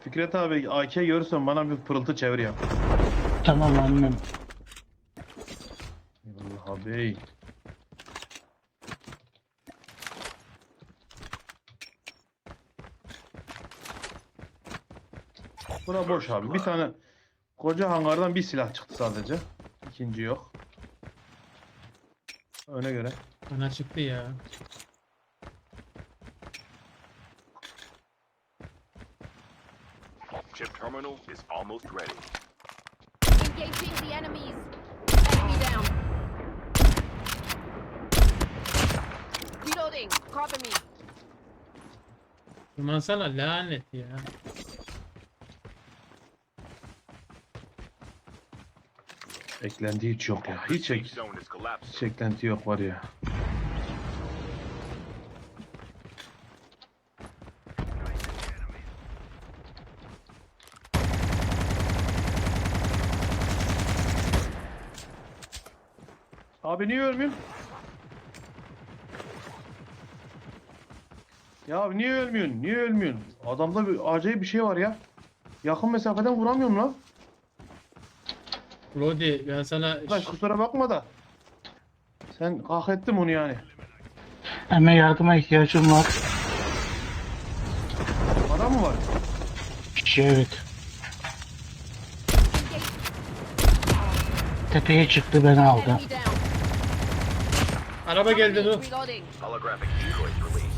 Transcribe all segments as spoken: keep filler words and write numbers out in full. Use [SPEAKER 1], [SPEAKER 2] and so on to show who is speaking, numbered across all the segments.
[SPEAKER 1] Fikret abi A K görürsen bana bir pırıltı çevir ya.
[SPEAKER 2] Tamam annem.
[SPEAKER 1] Allah abi. Bura boş abi. Bir tane koca hangardan bir silah çıktı sadece. İkinci yok. Öne göre.
[SPEAKER 3] Bana çıktı ya.
[SPEAKER 4] Chip terminal is almost ready.
[SPEAKER 5] Engaging the enemies. Enemy down. Reloading. Cover me.
[SPEAKER 3] Aman sana lanet ya.
[SPEAKER 1] Eklenti hiç yok ya. Hiç, ek,
[SPEAKER 4] Zone is collapsing.
[SPEAKER 1] hiç eklenti yok var ya. Abi niye ölmüyorsun? Ya abi niye ölmüyorsun? Niye ölmüyorsun? Adamda bir acayip bir şey var ya. Yakın mesafeden vuramıyorum lan.
[SPEAKER 3] Rodi ben sana
[SPEAKER 1] Lan kusura bakma da. Sen hak ettin onu yani.
[SPEAKER 2] Hemen yardıma ihtiyacım var.
[SPEAKER 1] Adam mı var?
[SPEAKER 2] Şey evet. Tepeye çıktı beni aldı.
[SPEAKER 5] Enemy down.
[SPEAKER 3] araba geldi dur.
[SPEAKER 5] Reloading.
[SPEAKER 4] Holographic decoys released.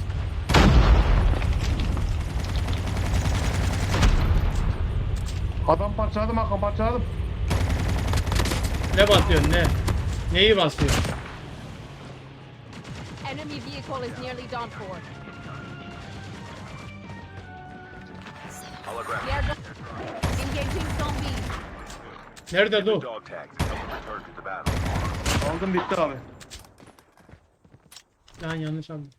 [SPEAKER 1] Adam parçaladım Hakan parçaladım.
[SPEAKER 3] Ne basıyorsun ne? Neyi basıyorsun?
[SPEAKER 5] Enemy vehicle is nearly done for.
[SPEAKER 4] Holographic.
[SPEAKER 5] Air Engaging zombies.
[SPEAKER 3] Nerede dur?
[SPEAKER 4] Dog tags to help return to the battle.
[SPEAKER 1] Aldım bitti abi.
[SPEAKER 3] Lan yanlış aldım.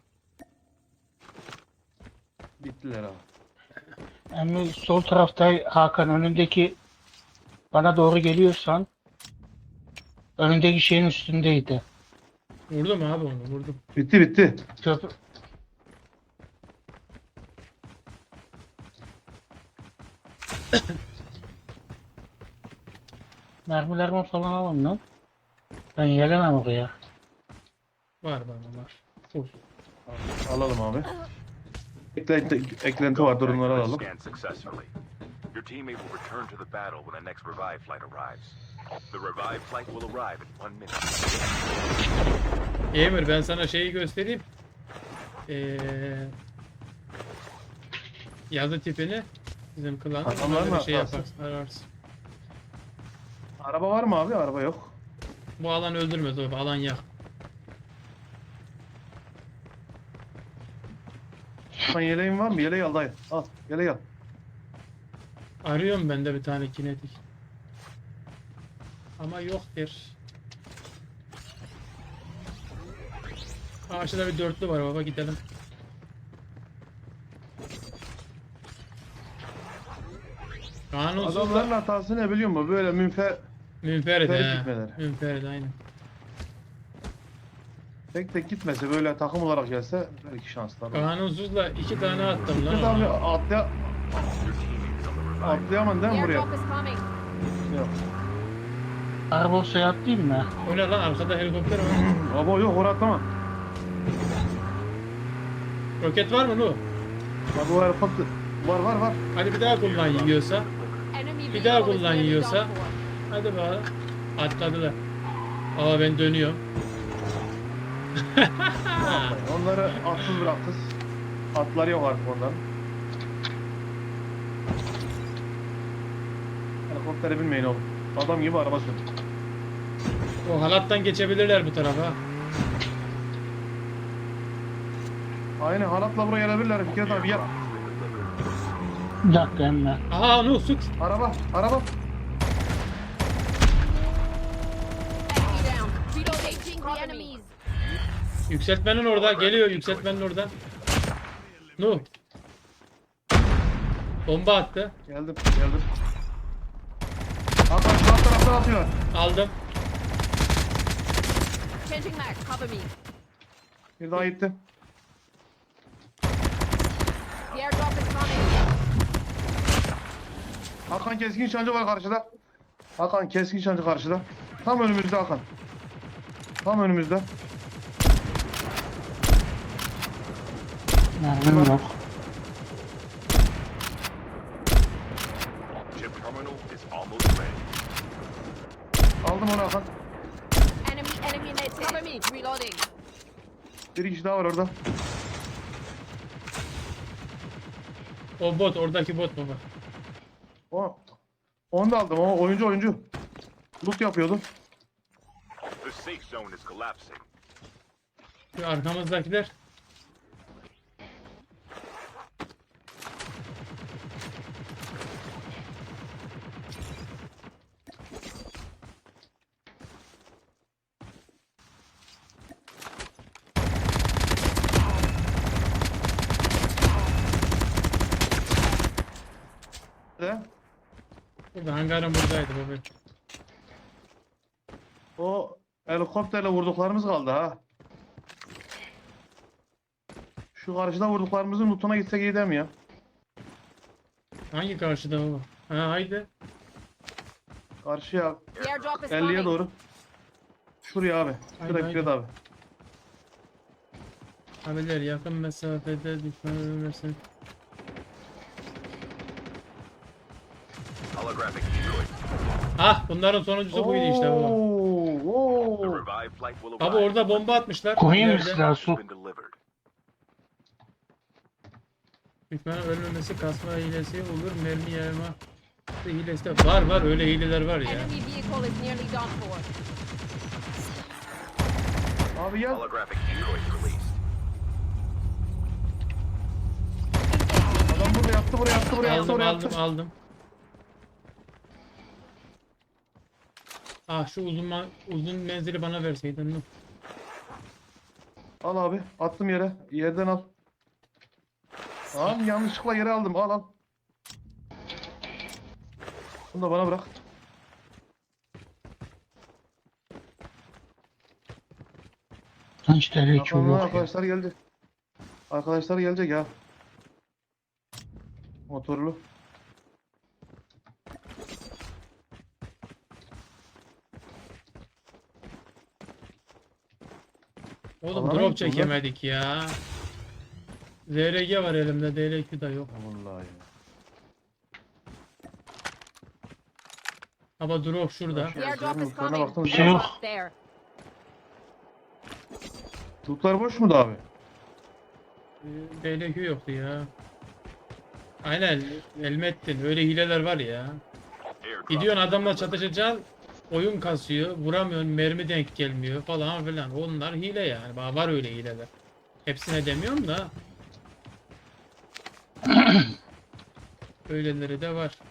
[SPEAKER 1] Bittiler abi.
[SPEAKER 2] Emmi sol tarafta Hakan önündeki bana doğru geliyorsan önündeki şeyin üstündeydi.
[SPEAKER 3] Vurdum abi onu vurdum.
[SPEAKER 1] Bitti bitti.
[SPEAKER 2] Köprü. Mermilerimi falan alın lan. Ben gelemem oraya.
[SPEAKER 3] Var bana var. Full.
[SPEAKER 1] Alalım abi. Eklenti, eklenti var durumları alalım.
[SPEAKER 4] Scanned successfully. Your teammate will return to the battle when the next revive flight arrives. The revive flight will arrive in one minute.
[SPEAKER 3] Emir ben sana şeyi göstereyim. Ee, yazı tipini bizim klan.
[SPEAKER 1] Adamlar
[SPEAKER 3] Ona
[SPEAKER 1] mı
[SPEAKER 3] bir şey
[SPEAKER 1] atarsın?
[SPEAKER 3] yaparsın ararsın.
[SPEAKER 1] Araba var mı abi? Araba yok.
[SPEAKER 3] Bu alan öldürmez o alan yak.
[SPEAKER 1] Sen yeleğin var mı? Yeleği al dayı. Al. Yeleği al.
[SPEAKER 3] Arıyorum ben de bir tane kinetik. Ama yoktur. Karşıda bir dörtlü var baba gidelim. Kanunsuz
[SPEAKER 1] Adamların
[SPEAKER 3] da
[SPEAKER 1] hatası ne biliyor musun? Böyle münfe
[SPEAKER 3] münferit
[SPEAKER 1] Münferit
[SPEAKER 3] he.
[SPEAKER 1] gitmeleri.
[SPEAKER 3] Münferit aynen.
[SPEAKER 1] tek tek gitmese böyle takım olarak gelse belki şanslar var.
[SPEAKER 3] Kanunsuzla iki tane attım lan
[SPEAKER 1] Bir tane
[SPEAKER 3] ona.
[SPEAKER 1] atlaya
[SPEAKER 4] Your teammate is on the revive.
[SPEAKER 1] atlayamam değil mi buraya?
[SPEAKER 5] Airdrop is coming.
[SPEAKER 1] Yok.
[SPEAKER 2] Araba suya atlayayım mı?
[SPEAKER 3] O ne lan arkada helikopter var.
[SPEAKER 1] Abo yok oraya atlama.
[SPEAKER 3] Roket var mı lu?
[SPEAKER 1] Bak o helikopter. Var var var.
[SPEAKER 3] Hadi bir daha kullan yiyorsa.
[SPEAKER 5] Enemy
[SPEAKER 3] Bir daha
[SPEAKER 5] vehicle is
[SPEAKER 3] kullan
[SPEAKER 5] nearly
[SPEAKER 3] yiyorsa.
[SPEAKER 5] done for.
[SPEAKER 3] Hadi bakalım. Atladılar. Aa ben dönüyorum.
[SPEAKER 1] Onları atsız bıraktız. Atları yok artık onların. Helikoptere binmeyin oğlum. Adam gibi araba sür.
[SPEAKER 3] O halattan geçebilirler bu tarafa.
[SPEAKER 1] Aynen halatla buraya gelebilirler. Fikret abi gel.
[SPEAKER 2] Bir dakika emmi.
[SPEAKER 3] Aha nu süt.
[SPEAKER 1] Araba, araba.
[SPEAKER 5] Enemy down. Reloading the enemies.
[SPEAKER 3] Yükseltmenin orada. Geliyor yükseltmenin oradan. Nu. Bomba attı.
[SPEAKER 1] Geldim, geldim. Hakan şu alt taraftan atıyorlar.
[SPEAKER 3] Aldım.
[SPEAKER 5] Changing mag. Cover me.
[SPEAKER 1] Bir daha gitti.
[SPEAKER 5] The airdrop is coming.
[SPEAKER 1] Hakan keskin nişancı var karşıda. Hakan keskin nişancı karşıda. Tam önümüzde Hakan. Tam önümüzde.
[SPEAKER 2] Mermim yok.
[SPEAKER 4] Chip terminal is almost ready.
[SPEAKER 1] Aldım onu Hakan.
[SPEAKER 5] Enemy, enemy in it. Cover me. Reloading.
[SPEAKER 1] Bir kişi daha var orada.
[SPEAKER 3] O bot, oradaki bot baba.
[SPEAKER 1] O, onu da aldım. O oyuncu oyuncu. Loot yapıyordu.
[SPEAKER 4] The safe zone is collapsing.
[SPEAKER 3] Şu arkamızdakiler.
[SPEAKER 1] De.
[SPEAKER 3] Burada hangarın buradaydı baba.
[SPEAKER 1] O helikopterle vurduklarımız kaldı ha. Şu karşıda vurduklarımızın lootuna gitsek iyi değil mi ya?
[SPEAKER 3] Hangi karşıda baba? Ha haydi.
[SPEAKER 1] Karşıya
[SPEAKER 5] The airdrop is
[SPEAKER 1] elliye
[SPEAKER 5] coming.
[SPEAKER 1] doğru. Şuraya abi.
[SPEAKER 3] Haydi,
[SPEAKER 1] Şuraya
[SPEAKER 3] haydi.
[SPEAKER 1] Fikret abi.
[SPEAKER 3] Abiler yakın mesafede düşman ölmesin.
[SPEAKER 4] Holographic decoy.
[SPEAKER 3] Ah bunların sonuncusu buydu işte baba.
[SPEAKER 1] Oo,
[SPEAKER 4] The
[SPEAKER 1] oo.
[SPEAKER 4] revived flight will
[SPEAKER 3] Baba
[SPEAKER 4] arrive.
[SPEAKER 3] orada bomba atmışlar.
[SPEAKER 2] Koyayım mı
[SPEAKER 3] Nerede?
[SPEAKER 2] silah
[SPEAKER 4] Has
[SPEAKER 2] su?
[SPEAKER 4] been delivered.
[SPEAKER 3] Düşmanın ölmemesi kasma hilesi olur. Mermi yayma hilesi de var var öyle hileler var ya.
[SPEAKER 5] Enemy vehicle is nearly done for.
[SPEAKER 1] Abi gel.
[SPEAKER 4] Holographic decoys released.
[SPEAKER 1] Adam burada yattı buraya yattı buraya yattı
[SPEAKER 3] Aldım
[SPEAKER 1] buraya
[SPEAKER 3] aldım
[SPEAKER 1] yattı.
[SPEAKER 3] aldım. Ah şu uzun ma- uzun menzili bana verseydin. Nuh.
[SPEAKER 1] Al abi. Attım yere. Yerden al. Tamam yanlışlıkla yere aldım. Al al. Bunu da bana bırak.
[SPEAKER 2] Kaç tane hiç
[SPEAKER 1] Bakalım
[SPEAKER 2] yok ya.
[SPEAKER 1] arkadaşlar geldi. Arkadaşlar gelecek ya. Motorlu.
[SPEAKER 3] Oğlum
[SPEAKER 1] Allah'a
[SPEAKER 3] drop
[SPEAKER 1] gitti bunlar.
[SPEAKER 3] çekemedik ya. Z R G var elimde, D L Q da yok.
[SPEAKER 1] Vallahi ya.
[SPEAKER 3] Ama drop şurada.
[SPEAKER 5] The airdrop is
[SPEAKER 1] Lootlarına
[SPEAKER 5] coming.
[SPEAKER 1] baktım.
[SPEAKER 2] Bir şey yok.
[SPEAKER 5] Airdrop there.
[SPEAKER 1] Lootlar boş mu da abi?
[SPEAKER 3] Ee, D L Q yoktu ya. Aynen Elmettin öyle hileler var ya.
[SPEAKER 4] Airdrop
[SPEAKER 3] Gidiyorsun
[SPEAKER 4] has been
[SPEAKER 3] adamla
[SPEAKER 4] delivered.
[SPEAKER 3] çatışacaksın. Oyun kasıyor, vuramıyorsun, mermi denk gelmiyor falan filan. Onlar hile yani. Ba- Var öyle hileler. Hepsine demiyorum da. Öyleleri de var.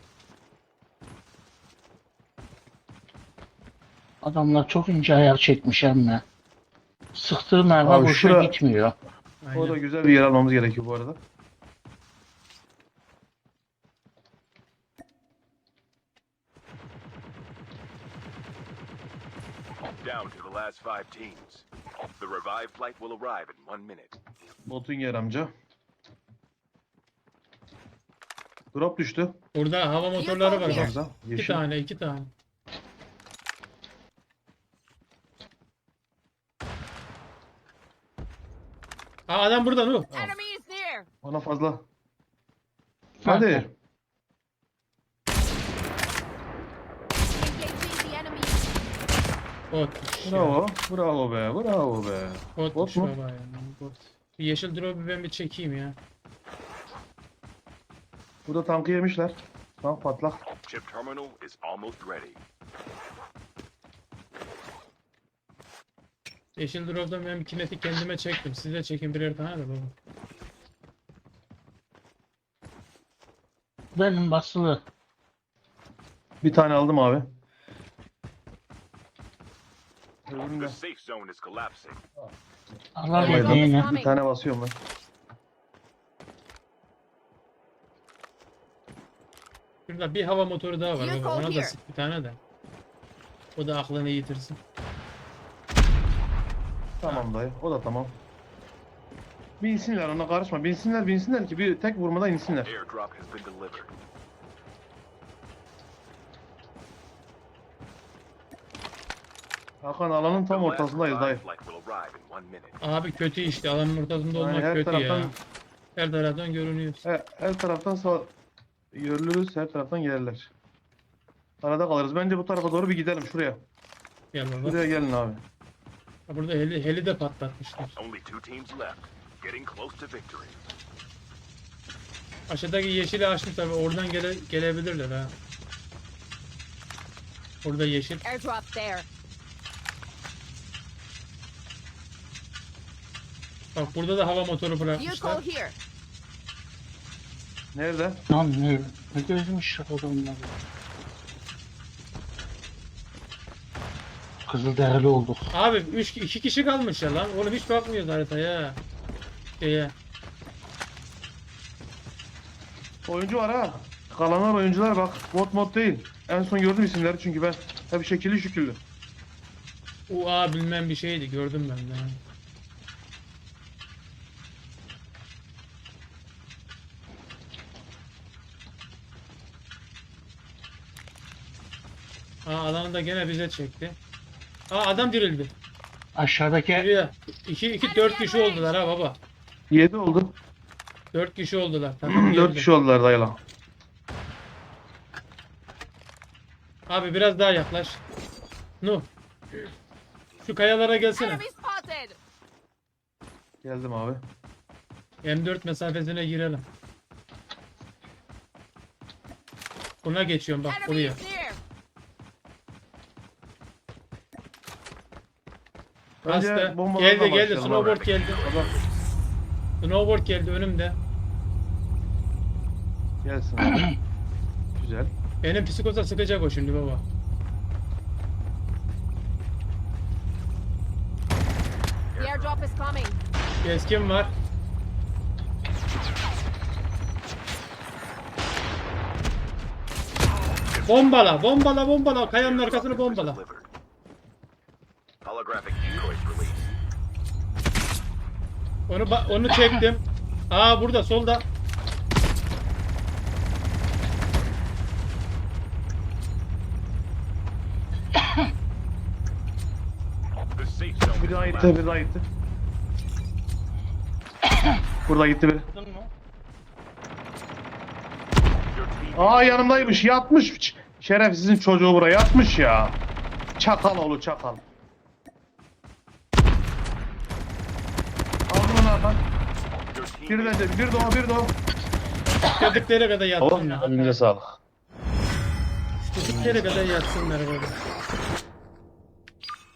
[SPEAKER 2] Adamlar çok ince ayar çekmiş emme. Sıktığı mermi
[SPEAKER 1] Abi
[SPEAKER 2] boşa
[SPEAKER 1] şura-
[SPEAKER 2] gitmiyor.
[SPEAKER 1] O da
[SPEAKER 3] Aynen.
[SPEAKER 1] güzel bir yer almamız gerekiyor bu arada.
[SPEAKER 4] Down to the last five teams. The revived flight will arrive in one minute.
[SPEAKER 1] Botun yer amca. Drop düştü.
[SPEAKER 3] Burada hava motorları var bak.
[SPEAKER 1] Hamza.
[SPEAKER 3] İki
[SPEAKER 1] Yeşil.
[SPEAKER 3] tane, iki tane. Aa adam burada Nuh.
[SPEAKER 5] Enemy is near.
[SPEAKER 1] Ona fazla.
[SPEAKER 2] Hadi.
[SPEAKER 1] Hadi.
[SPEAKER 5] Engaging the enemy.
[SPEAKER 3] Bot. ya.
[SPEAKER 1] Bravo. Bravo be. Bravo be.
[SPEAKER 3] Botmuş
[SPEAKER 1] Bot mu?
[SPEAKER 3] baba ya. Bot. Bir yeşil drop'u ben bir çekeyim ya.
[SPEAKER 1] Burada tankı yemişler. Tank patlak.
[SPEAKER 4] Chip terminal is almost ready.
[SPEAKER 3] Yeşil drop'tan ben bir kinetik kendime çektim. Siz de çekin birer tane de baba.
[SPEAKER 2] Benim basılı.
[SPEAKER 1] Bir tane aldım abi. Öbürünü
[SPEAKER 4] The
[SPEAKER 1] de
[SPEAKER 4] safe zone is collapsing.
[SPEAKER 2] Allah
[SPEAKER 5] Yeah,
[SPEAKER 2] dediğini.
[SPEAKER 5] Tommy.
[SPEAKER 1] bir tane basıyorum ben.
[SPEAKER 3] Şurada bir hava motoru daha var
[SPEAKER 5] You
[SPEAKER 3] baba.
[SPEAKER 5] go
[SPEAKER 3] Ona da
[SPEAKER 5] here.
[SPEAKER 3] sık bir tane de. O da aklını yitirsin.
[SPEAKER 1] Tamam dayı. O da tamam. Binsinler ona karışma. Binsinler binsinler ki bir tek vurmada insinler.
[SPEAKER 4] Airdrop has been delivered.
[SPEAKER 1] Hakan alanın
[SPEAKER 4] The
[SPEAKER 1] tam
[SPEAKER 4] last
[SPEAKER 1] ortasındayız
[SPEAKER 4] revive
[SPEAKER 1] dayı.
[SPEAKER 4] flight will arrive in one minute.
[SPEAKER 3] Abi kötü işte alanın ortasında
[SPEAKER 1] Yani
[SPEAKER 3] olmak
[SPEAKER 1] her
[SPEAKER 3] kötü
[SPEAKER 1] taraftan
[SPEAKER 3] ya. Her taraftan görünüyor.
[SPEAKER 1] her, her taraftan sağ yürülürüz, her taraftan gelirler. Arada kalırız. Bence bu tarafa doğru bir gidelim şuraya.
[SPEAKER 3] Gel baba.
[SPEAKER 1] Şuraya gelin abi.
[SPEAKER 3] Ha, burada heli, heli de patlatmışlar.
[SPEAKER 4] Only two teams left. Getting close to victory.
[SPEAKER 3] Aşağıdaki yeşili açtım tabi oradan gele, gelebilirler ha. Burada yeşil.
[SPEAKER 5] Airdrop there.
[SPEAKER 3] Bak burada da hava motoru
[SPEAKER 5] Vehicle
[SPEAKER 3] bırakmışlar.
[SPEAKER 5] here.
[SPEAKER 1] Nerede?
[SPEAKER 2] Lan ne, ne gözmüş adamlar. Kızılderili olduk.
[SPEAKER 3] Abi üç iki kişi kalmış ya lan. Oğlum hiç bakmıyoruz haritaya. Şeye.
[SPEAKER 1] Oyuncu var ha. Kalanlar oyuncular bak. Bot mod değil. En son gördüm isimleri çünkü ben. Hep şekilli şüküllü.
[SPEAKER 3] U A bilmem bir şeydi gördüm ben de. Aa alanı da gene bize çekti. Aa adam dirildi.
[SPEAKER 2] Aşağıdaki
[SPEAKER 3] Buraya. iki iki dört kişi oldular ha baba.
[SPEAKER 1] yedi oldu.
[SPEAKER 3] dört kişi oldular. Tamam
[SPEAKER 1] dört
[SPEAKER 3] geldi.
[SPEAKER 1] kişi oldular dayıla.
[SPEAKER 3] Abi biraz daha yaklaş. Nuh. Şu kayalara gelsene.
[SPEAKER 5] Enemy spotted.
[SPEAKER 1] Geldim abi.
[SPEAKER 3] M dört mesafesine girelim. Buna geçiyorum bak
[SPEAKER 5] Enemy
[SPEAKER 3] buraya.
[SPEAKER 5] is near.
[SPEAKER 1] Bence
[SPEAKER 3] Hasta.
[SPEAKER 1] bombalarla
[SPEAKER 3] Geldi geldi.
[SPEAKER 1] başlayalım
[SPEAKER 3] Snowboard
[SPEAKER 1] abi.
[SPEAKER 3] geldi.
[SPEAKER 1] Baba
[SPEAKER 3] Snowboard geldi önümde.
[SPEAKER 1] gelsin abi. Güzel.
[SPEAKER 3] Benim psikoza sıkacak o şimdi baba.
[SPEAKER 5] The airdrop is coming.
[SPEAKER 3] Keskin var. Bombala, bombala, bombala. Kayanın arkasını bombala.
[SPEAKER 4] Delivered. Holographic decoys released.
[SPEAKER 3] Onu ba- onu çektim. Aa burada solda.
[SPEAKER 4] The safe zone
[SPEAKER 1] Bir
[SPEAKER 4] is
[SPEAKER 1] daha gitti,
[SPEAKER 4] collapsed.
[SPEAKER 1] bir daha gitti. Burada gitti biri.
[SPEAKER 4] Your team
[SPEAKER 1] Aa yanımdaymış, yatmış. Ç- Şerefsizin çocuğu buraya yatmış ya. Çakal oğlu çakal. Aldım onu Hakan.
[SPEAKER 4] your team
[SPEAKER 1] Bir de bir de o, bir de o.
[SPEAKER 3] Dedikleri kadar yatsınlar.
[SPEAKER 1] Elinize sağlık.
[SPEAKER 3] Dedikleri kadar yatsınlar baba.